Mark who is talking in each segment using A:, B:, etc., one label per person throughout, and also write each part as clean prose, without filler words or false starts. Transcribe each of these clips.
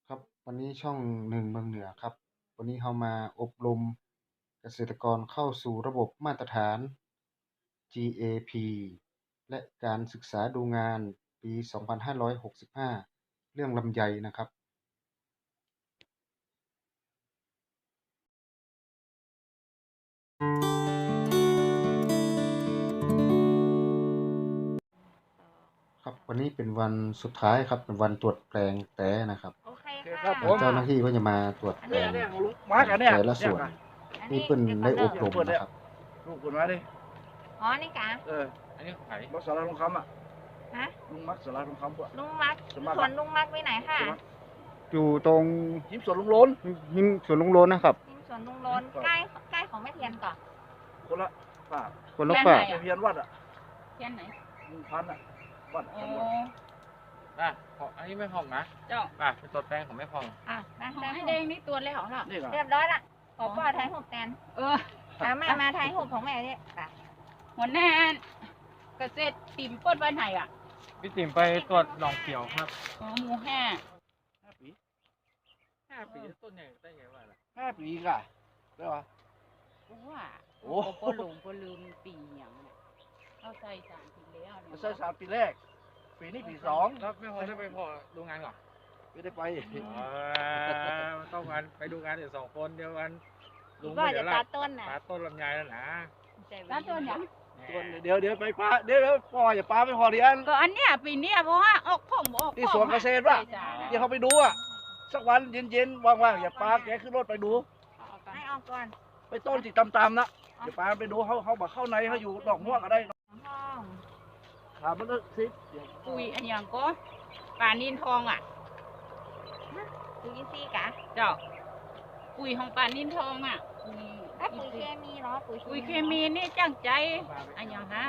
A: ครับวันนี้ช่องหนึ่งเมืองเหนือครับวันนี้เรามาอบรมเกษตรกรเข้าสู่ระบบมาตรฐาน GAP และการศึกษาดูงานปี2565เรื่องลำไยนะครับครับวันนี้เป็นวันสุดท้ายครับเป็นวันตรวจแปลงแต้นะครับ
B: โอเค
C: ครั
B: ค่ะ
C: บผม
A: เจ้าหน้าที่ก็จะมาตรวจแปลง
C: เนี่ยลุงมาร์กอันเนี่ย
A: แต่ละส่วน
B: อัน
A: นี่
B: นี้
A: เพิ่น
B: ดี๋ยว
A: ได้
B: ก่
A: อน บรมนะครับ
C: ลูกคุณมาดิ
B: อ๋อนี่กะ
D: อันนี้ไข่
C: มักสาราทองคำอ่ะ
B: ฮะ
C: ลุงมักสาราทองคำปะ
B: ลุงมัก
C: สมัคร
B: ส่วนลุงมักไว้ไหนค่ะ
A: อยู่ตรง
C: ยิ้มสวนลุงโล้น
A: หิมสวนลุงโลนนะครับ
B: ที่ส่วนลุงโลนใกล้ของแม่เทียนก่อน
C: คนละป่า
A: คนละฝาก
C: เพียนวัดอ่ะ
E: เทียนไหน
C: ลุงพันอ่ะวัด
E: โอ้
C: กันวัด
D: อันนี้ไม่พองนะ
E: เจ้า
D: เป็นตัวแป้งของไม่พอง
B: อ่ะได้
E: ของ
B: ได้
E: ไอ้แดงนี่ตัวแล้วเหรอ
C: นี่ก่อน
B: เรียบร้อยละขอป้อไทยหุบแตน
E: เออ
B: แม่มาไทยหุบของแม่เนี่ยค่ะ
E: หัวหน้าเกษตรติ่มเปิ้ลบ้านไหนอ่ะ
D: พี่ติ๋มไปตรวจหนองเขียวครับ
E: อ๋อหมู่ห้า
C: 5 ปี
D: 5 ปีต้นใหญ่ได้ไงวะล่ะ
C: 5 ปีกะได้ปะ
E: เพราะว่า
C: โอ้
E: โอ้หลงก็ลืมปีอย่างเนี่ยเอาใส่สารปีแล้วเนี่ย
C: ใช่3 ปีแรก ปีนี้ปี
D: แล้วไม่พอได้ไปพอดูงานก่อน
C: 2ไม่ได้ไป
D: ต้องกันไปดูงานเดี๋ยว2 คนเดียวกันลุง
B: ก็
D: ไม่
B: จะ
D: เดี๋ยว
B: ตั
D: ละ
B: ดต้นน่ะ
D: ปาต้นลำไยแล้วนะ
E: แล้วตัวอย่าง
C: เดี๋ยวไปป้าเดี๋ยวพ่ออย่าป้าไม่พอดีอัน
E: ก็อันเนี้ยปีเนี้ยเพราะว่าออกของออก
C: ที่สวนเกษตรป่ะ
E: ใส่สาร
C: เดี๋ยวเขาไปดูอ่ะสักวันเย็นๆว่างๆอย่าป้าแกขึ้นรถไปดู
B: ให้ออกก่อน
C: ไปต้นที่ตำๆนะเดี๋ยวป้าไปดูเขาบอกเข้าในเขาอยู่ดอกม่วงก็ได้
B: ห้อง
C: ถามมันก็สิ
E: ปุ๋ยอันอย่างก็ป่านินทองอ่ะ
B: ปุ๋ยอินทรีย์กะ
E: เจ้าปุ๋ยของป่านินทองอ่ะปุ๋ย
B: ปุ๋ยเคมีเหรอปุ๋ย
E: ปุ๋ยเคมีนี่จ้างใจอันอย่างฮะ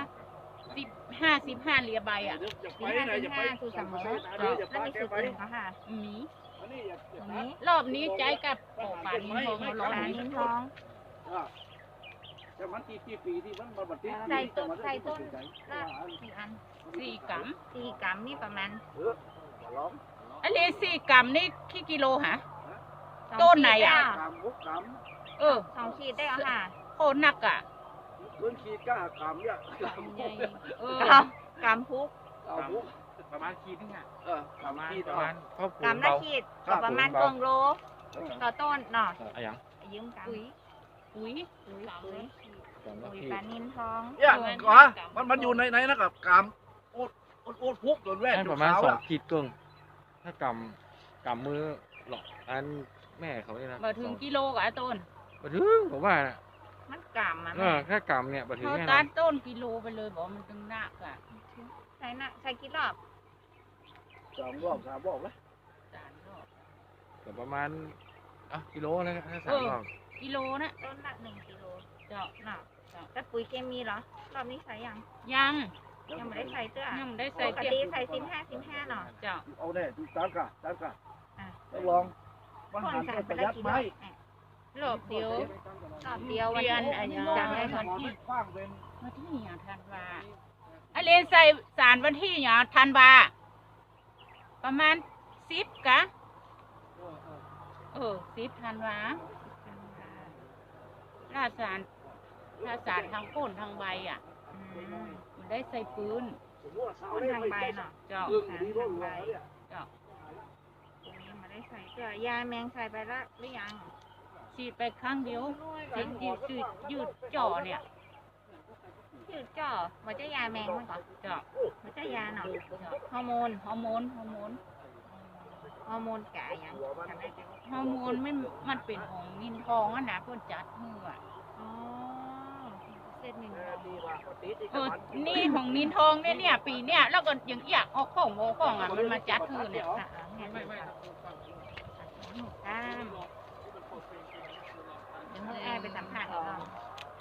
E: 15เหรียญใบอ่ะ
B: ปี55คือเสมอแล้วมีสูตรอื่นเขาค่ะ
E: มี
B: ตรงนี้
E: รอบนี้ใจกับปอกป่านินทองเอารอบ
B: ปลา
E: นี้
B: นินทอง
C: แต่มันกี่ปีที่มันมาบัดนี้
B: ใส่ต้นละกี่อัน
E: 4 กรัม
B: 4 กรัมนี่ประมาณ
C: ร้อง
E: อันนี้4 กรัมนี่กี่กิโลฮะ ต้นไหนอะ
C: กำบุกก
E: เออ
B: 2 ขีดได้เหรอค่ะ
E: โคตรหนักอ่ะ
C: ำพื้นขีดก้ากำเนี่ยกำบุก
E: เออก
B: รัมพุก
C: กำบุก
D: ประมาณขีดนึงอ่ะ
C: กำขีด
D: ประมาณครอบครั
B: กรั
D: ว
B: มละ
D: เบา
B: ขีดก็ประมาณเกิงโลต่อต้นเนาะ
D: อะไรอย่าง
B: ยืมกัน
E: ปุ๋ย
B: ปุ๋ยปลานินทอง
C: เนี่ยก่อมันอยู่ในนะกับกำโอดพุกโดนแว่น
D: นั่น
C: จ
D: ป
C: น
D: ระมาณ
C: ขาวอ่ะ
D: 2 ขีดครึ่งถ้ากำมือหลอกอันแม่เขาเนี่ยนะ
E: มาถึงกิโลกับไอ้ต้น
D: มาถึงผมว่านะ
B: มันกำอ่ะ
D: แค่กำเนี่ยมาถึง
E: เขา
D: แน่น
E: ตั
D: อ
E: ด
D: น
E: ต้นกิโลไปเลยบอกมันตึงหนักอ่ะ
B: ใส่กี่รอบ
C: 3 รอบ 3 รอบเลย
E: 3 รอบ
D: ก็ประมาณกิโลเลยถ้า3 รอบ
E: กิโลนะ
B: ต้นละ1 กิโล
E: เจ้า
B: เนาะแต่ปุ๋ยเคมีเหรอรอบนี้ใส่ยัง
E: ยัง
B: ยังไม่ได้ใส่เตื้อ
E: ยังไม่ได้
B: ป
E: ใส่
B: ก
E: เก็บ
B: ติใส่15เนาะ
E: เจ้า
C: เอาแน่ดูตามกะ
B: อ่ะ
C: ต้องลองมัน
B: คน
C: หัน
B: ใส่
C: ไป
B: ไป
C: ประ
B: ละ
C: หยัด
B: กี่
C: ไห
B: ร
C: ม
B: อบ
E: รอบเดียว
B: รอบเดียววัน
E: เดือน
B: นี้
E: อันนี้
B: จำได้ก่อน
C: ที่กว้างเป็น
E: วันที่อย่างธันวาอันนี้ใส่สารวันที่อย่างธันวาประมาณ10กะ10ธันวาราดสารทางก้นทางใบอ่ะ
B: อืม
E: มันได้ใส่ปืน
B: คนทางใบเนาะ
E: เจ้า
B: ทางใบ
E: เจ้า
B: ตรงนี้มาได้ใส่เตื้อยาแมงใส่ไปละหรือยัง
E: ฉีดไปครั้งเดียวฉีดยืดจ่อเนี่ย
B: ยืดจ่อมันจะยาแมงมันก่อน
E: เจ้า
B: มันจะยาเนาะ
E: ฮอร์โมน
B: ฮอร์โมนกะยังจำได้จัง
E: ฮอร์โมนไม่มันเป็นของนินทองอ่ะนะเพิ่นจัดมืออ่ะ
B: อ๋อเส้นหนึ่ง
E: นี่ของนินทองเนี่ยปีเนี่ยแล้วก็ยังอยากออกของอ่ะมันมาจัดมือเนี่ย
B: ค่ะเห็นไหมหมูก้ามเดี๋ยวให้แอร์ไปสัมผัสก่อน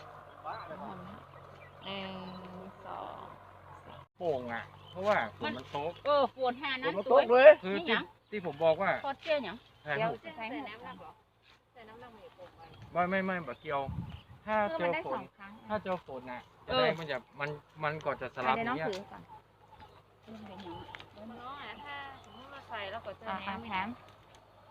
B: 1 2
D: โป่งอ่ะ เพราะว่าฝนมันตก
E: ปวดหานะ
C: มัน
E: ส
C: ต
E: วย
C: กเลย
D: คือ
E: นี่หยัง
D: ที่ผมบอกว่า
E: พอเชื่อหยัง
D: ถ่าย
B: เดี๋ยว
D: รูป
B: จะใส่น้ำลำใส่น้ำลำหมูโป่งไว้
D: ไม่แบบเกี่ยว ถ้า
B: เพื่อ
D: เจ
B: มัน
D: อ
B: ได้
D: ฝ
B: 2
D: น
B: ครั้ง
D: ถ้าเจอฝนน่ะจะได้มันก่อนจะสลับ
B: เดี๋ยว
D: อ
B: น้อง
D: ย่างเงี้ย
B: ถือก่อนน้องถ้าสมมติเราใส่แล้วก็เจอน้ำแถม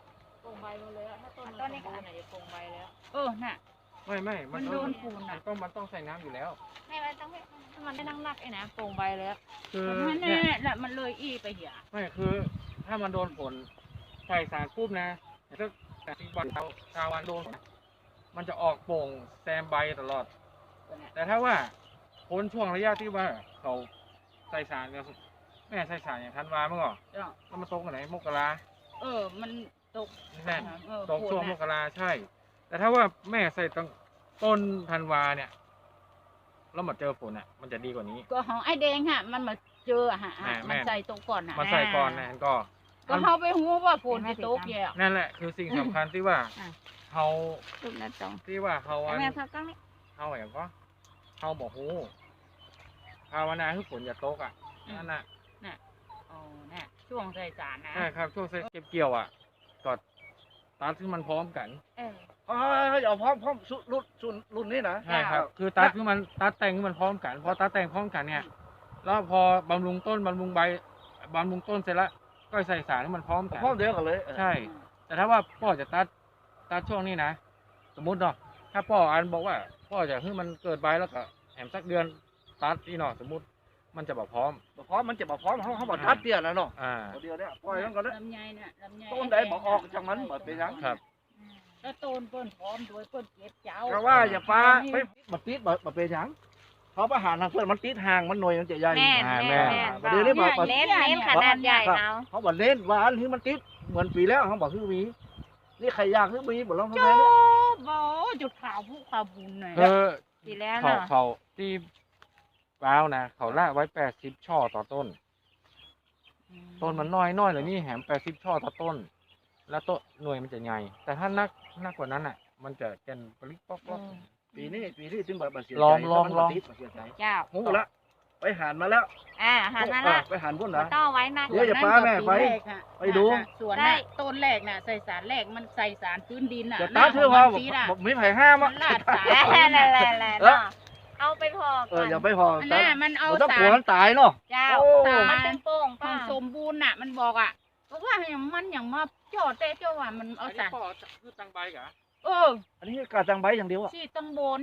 B: ปลงใบมาเลยอะถ้าต้นนี้ขนาดไหนจะปลงใบแล้ว
E: น่ะ
D: ไม่
E: มันโดนฝุ่น
D: มั
E: อ่ะ
D: มันต้องใส่น้ำอยู่แล้ว
B: ไม่มันต้องถ้ามันได้นั่งนักไอ้นะปลงใบแล้ว
D: คือ
E: มัน
D: เนี่
E: แน่
D: ย
E: แหละมันเลยอีไปเหี้ย
D: ไม่คือถ้ามันโดนฝนใส่สารปุ๊บนะถ้าแต่ที่วันชาววันโดนฝนมันจะออกโป่งแซมใบตลอด แต่ถ้าว่าพ้นช่วงระยะที่ว่าเขาใส่สารเนี่ยแม่ใส่สารอย่างธันวาเมื่อก่อน
E: จ้ะ
D: แล้วมันตกกันไหนมกรา
E: มันตก
D: แน่น ตก
E: ฝน
D: ช่วงม
E: น่ะ
D: กราใช่ แต่ถ้าว่าแม่ใส่ตั้งต้นธันวาเนี่ยแล้วมาเจอฝนอ่ะ มันจะดีกว่านี้
E: ก็ของไอ้แดงฮะมันมาเจอฮะ
D: แม่
E: มันใส่ตกก่อนฮะ
D: มาใส่ก่อนนะก็
E: ก็เขาไปหูว่าฝนจะตกแย่
D: นั่นแหละคือสิ่งสำคัญที่ว่าเขา
B: รูปหน้าจอง
D: ที่ว่าเขาอัน
B: แม่พักกล้องนี่
D: เขาอย่างก็เขาบอกฮู้ภาวนาให้ฝนอย่าตกอ่ะนั่นน่ะ
E: น่ะช่วงใส่สารนะ
D: ใช่ครับช่วงเก็บเกี่ยวอ่ะก็ตัดที่มันพร้อมกัน
C: เอาพร้อมรุ่นนี้นะ
D: ใช่ครับ คือตัดคือมันตัดแต่งคือมันพร้อมกันพอตัดแต่งพร้อมกันเนี่ยแล้วพอบำรุงต้นบำรุงใบบำรุงต้นเสร็จแล้วก็ใส่สารให้มันพร้อมกัน
C: พร้อมเดียวกันเลย
D: ใช่ แต่ถ้าว่าพ่อจะตัดช่วงนี้นะสมมุติเนาะถ้าพ่ออันบอกว่าพ่อจะให้มันเกิดใบแล้วก็แถมสักเดือนตัดนี่เนาะสมมุติมันจะแบบพร้อม
C: พร้อมมันจะมาพร้อมเขาบอกทัดเตี้ยนะเนาะ เดียวเนี่ยปล่อยมันก็เลย
E: ลำไยน่ะลำไย
C: ต้นใดบอกออกจากมันบ่เป็นหยัง
D: ครับ
E: แล้วต้นเปิ้นพร้อมด้วยเปิ้นเก็บเจ้า
C: ก็ว่าอย่าป้าไม่มาติดบ่เป็นหยังเขาประหารทางเพื่อนมันติดห่างมันหน่วยมันจะใหญ่
B: แม่น
D: แม่
B: แม่น
C: ประเดี๋ยวนี้บอก
B: เน้นขนาดใหญ่เอา
C: เขาบอกเล่นว่าอันนี้มันติดเหมือนปีแล้วเขาบอกคือมีนี่ใครอยากคือมีบอกเราทำไม
E: โจ้
C: เนี่ย
E: บ่จุดขาวผู้ขาวบุญหน่อย
D: คือ
B: ปีแล้ว
D: เขา
B: เนาะ
D: เขาที่ว้าวนะเขาลากไว้80 ช่อต่อต้น ต้นมันน้อยเลยนี่แหม80 ช่อต่อต้น แล้วต้นหน่วยมันจะใหญ่แต่ถ้านักกว่านั้นอ่ะ มันจะแกนปลิกป๊อก
C: ปีนี้ถึงแบบเสียใจ
D: ลอง
C: มันติดเสียใจ
B: เจ้า
C: หูละไปหานมาแล้ว
B: หันมาละ
C: ไปหานพุ่นนะ
B: ต้องเอาไว้นะ
C: เดี๋ยวอย่าป้าแม่ไปไปดู
E: ส่วน
B: ได้
E: น่ะต้นแรกน่ะใส่สารแรกมันใส่สารพื้นดินน่ะ
C: จะตาเชื่อว่า
E: สีน่ะ
C: บอกไม่ไผ่ห้าม
E: มั
C: อ่ะ
E: นลาดสาร
B: นั่นแหละเนาะเอาไปพอก่อน
C: อย่าไปพอ
E: อันน่ะมันเอา
C: ต้อง
E: สาก
C: ลัว
E: ร
C: มันตายเนาะ
B: เจ้า
C: โอ้
B: มันเป็นโป่ง
E: ควา
B: ป้าม
E: สมบูรณ์น่ะ มันบอกอ่ะบอกว่าอย่างมันอย่างมาจอดแต่เจ้าว่ามันเอา
D: อัน
E: สา
D: นี้
E: ร
D: พ่อคือตังใบกะ
C: อันนี้กาจังใบอย่างเดียวอ่ะ
E: ที่ตังบน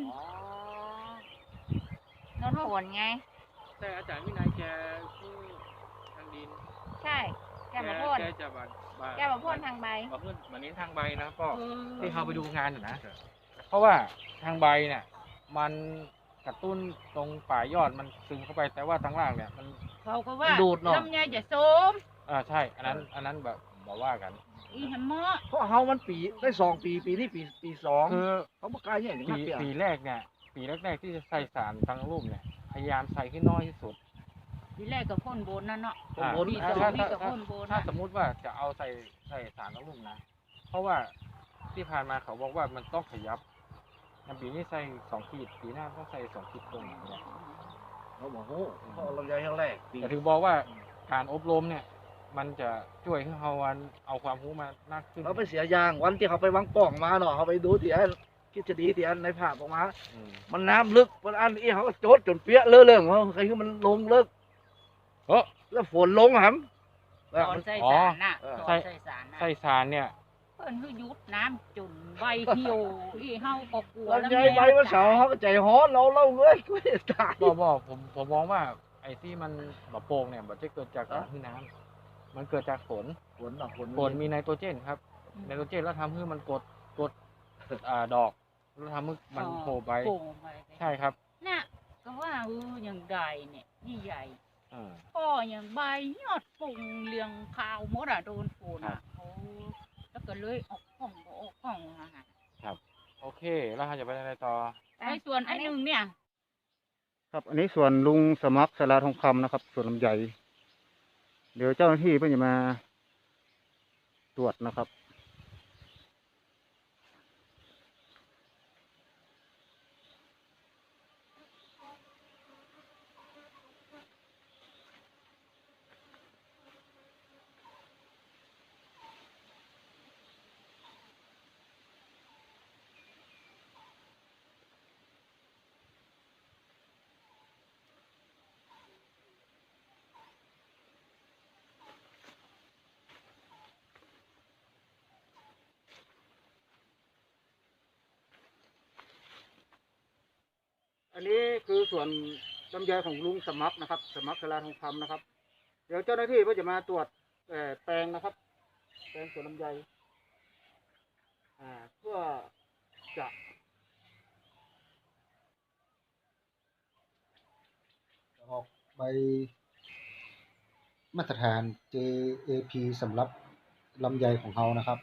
B: นนผลไง
D: แต่อาจารย์วินัยแกคือทางดิน
B: ใช่แกมาพ่น
D: แกจะบา
B: แกมาพ่นทางใบ
D: มาเพื่อนมาเน้นทางใบนะก็
E: เออ
D: ที่เขาไปดูงานอยู่นะ เพราะว่าทางใบเนี่ยมันกระตุ้นตรงป่ายอดมันซึมเข้าไปแต่ว่าทางล่างเนี่ยมัน
E: เขาก็ว่า
C: ดูดเนาะ
E: ลำไยจะโสม
D: ใช่ อันนั้นแบบบอกว่ากัน
E: อีหำมอ
C: เพราะเฮามันปีได้2 ปีปีนี้ปี2
D: คือ
C: เขาบอกกล้าอย่างนี้
D: ปี
C: เปีย
D: ปีแรกเนี่ย ปีแรกๆที่จะใส่สารตั้งรูปเนี่ย พยายามใส่ให้น้อยที่สุด
E: ทีแรกก็พ่นบนนั่นเนาะ
C: ผมบน
E: ปีสอง
D: ถ้า
E: นี่ก็พ่นบน
D: ถ้า
E: น่ะ
D: สมมุติว่าจะเอาใส่สารตั้งรูปนะ เพราะว่าที่ผ่านมาเขาบอกว่ามันต้องขยับอย่างปีนี้ใส่2 ขีดปีหน้าต้องใส่2 ขีดตรงอย่างเงี้ย
C: เขาบอกโอ้เขาเอาลำไยครั้งแรกปี
D: แต่ถึงบอกว่าการอบรมเนี่ย มันจะช่วยให้เราเอาความรู้มามากขึ้น
C: เขาไปเสียยางวันที่เขาไปวางป่องมาเนาะเขาไปดูที่อันคิดจะดีที่อันในภาพออกมา
D: อืม
C: มันน้ำลึกมันอันนี้เขาก็โจดจนเปี้ยเลื่อะเรื่องเขาใครคือมันลงเลิก
D: โอ้
C: แล้วฝนลงหำ
E: ตอนใส่สารน่ะ
C: อ๋อ
E: ตอนใส่สารน่ะ
D: ใส่สารเนี่ย
E: เพิ่นคือยุดน้ำจนใบเหี่ยวอีเฮาก็กลัว
C: ลำไยใบวันเสาร์เขาก็ใจฮ้อนเราเล่าเลยก็ไม่ตาย
D: บอกผมมองว่าไอ้ที่มันแบบโป่งเนี่ยมันจะเกิดจากการที่น้ำมันเกิดจากฝน
C: ฝนเนาะฝน
D: ฝนมีไนโตรเจนครับไนโตรเจนแล้วทำให้มันกดดอกแล้วทำให้มันโผล่ไป
E: โป่งไป
D: ใช่ครับ
E: น่ะก็ว่าอย่างใดเนี่ยนี่ใหญ่
D: อ่า
E: พ่ออย่างใบยอดปุ่งเลียงขาวหมดอ่ะโดนฝนอ่ะโอ้แล้วก็เลยออกห้องบ่ออกห้องอ่ะฮะ
D: โอเค แล้วเราจะไปอะไรต่อ
E: ไอ้ส่วนไอ้หนึ่งเนี่ย
A: ครับ อันนี้ส่วนลุงสมัครสาราทองคำนะครับ ส่วนลำไยเดี๋ยวเจ้าหน้าที่เพิ่งจะมาตรวจนะครับ
C: คือส่วนลำไยของลุงสมัครนะครับ สมัครสลาทองคำนะครับ เดี๋ยวเจ้าหน้าที่ก็จะมาตรวจแปลงนะครับ แปลงสวนลำไยเพื่อจะ
A: ออกใบมาตรฐาน JAP สำหรับลำไยของเรานะครับ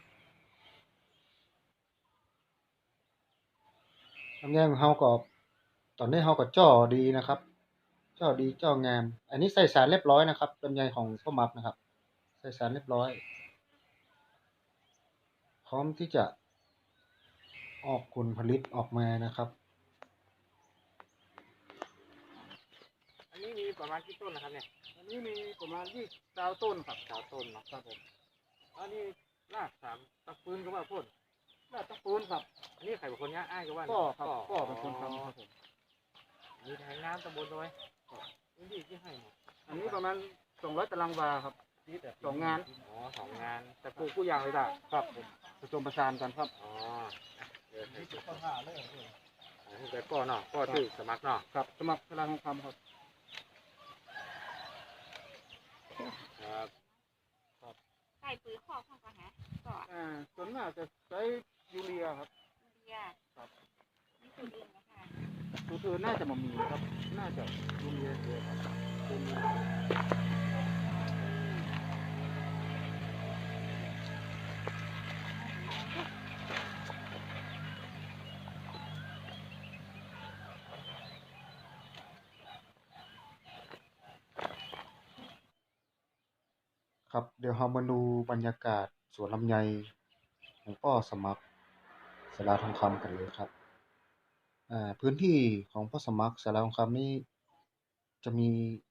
A: ลำไยของเราก็ตอนนี้เราก็จ่อดีนะครับจ่อดีจ่องาม อันนี้ใส่สารเรียบร้อยนะครับลำไยของพ่อมักนะครับ ใส่สารเรียบร้อย พร้อมที่จะออกผลผลิตออกมานะครับ
D: อันนี้มีประมาณกี่ต้นนะครับเนี่ย
C: อันนี้มีประมาณ20ต้นครับ
D: 9 ต้นเนาะ
C: ครับผม
D: อันนี้รากสามตะปืนก็ว่าพ่น
C: น่าตะปูนครับ
D: อันนี้ใครเป็นคนเนี้ยอ้ายก็ว่า
C: ก็ครับก็เป็นคนทำครับผม
D: มีแทงน้ำตำบลด้วยพื้นที่ที่ให้หมด
C: อันนี้ประมาณ200 ตารางวาครับ2 งาน
D: อ๋อ2 งานแต่
C: ปลูกผู้ยางเลยได้ครับผมผสมประสานกันครับ
D: อ๋อเดี๋ยวให้ดูแต่ก็เนาะก็ชื่อสมัครเนาะ
C: ครับสมัครสลาทองคำครับ
D: ครับ
B: ใส่ปุ๋ยคอกเข้าไปฮะก็
C: ส่วนมากจะใช้ยูเรียครับ
B: เรีย
C: ครับ
B: นี่จุดอื่นนะคะ
C: ตัวอื่นน่าจะมามีครับ น่าจะยูเรียเยอะครับตัวนี้
A: ครับเดี๋ยวเรามาดูบรรยากาศสวนลำไยของพ่อสมัครสลาทองคำกันเลยครับพื้นที่ของพ่อสมัครสลาทองคำนี่จะมี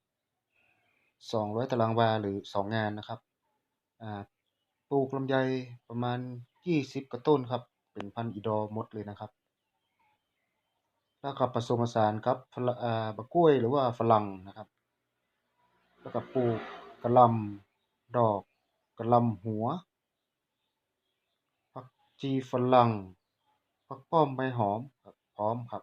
A: 200 ตารางวาหรือ2 งานนะครับปลูกลำไยประมาณ20 กว่าต้นครับเป็นพันธุ์อีดอร์หมดเลยนะครับ แล้วก็ผสมผสานกับบักกล้วยหรือว่าฝรั่งนะครับ แล้วก็ปลูกกะหล่ำดอกกะหล่ำหัวผักชีฝรั่งผักป้อมใบหอมครับพร้อมครับ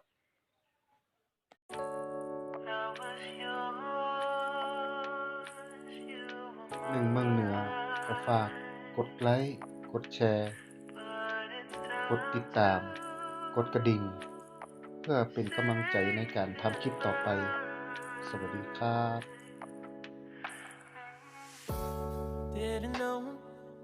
A: เมืองเหนือก็ฝากกดไลค์กดแชร์กดติดตามกดกระดิ่งเพื่อเป็นกำลังใจในการทำคลิปต่อไปสวัสดีครับ
F: Didn't know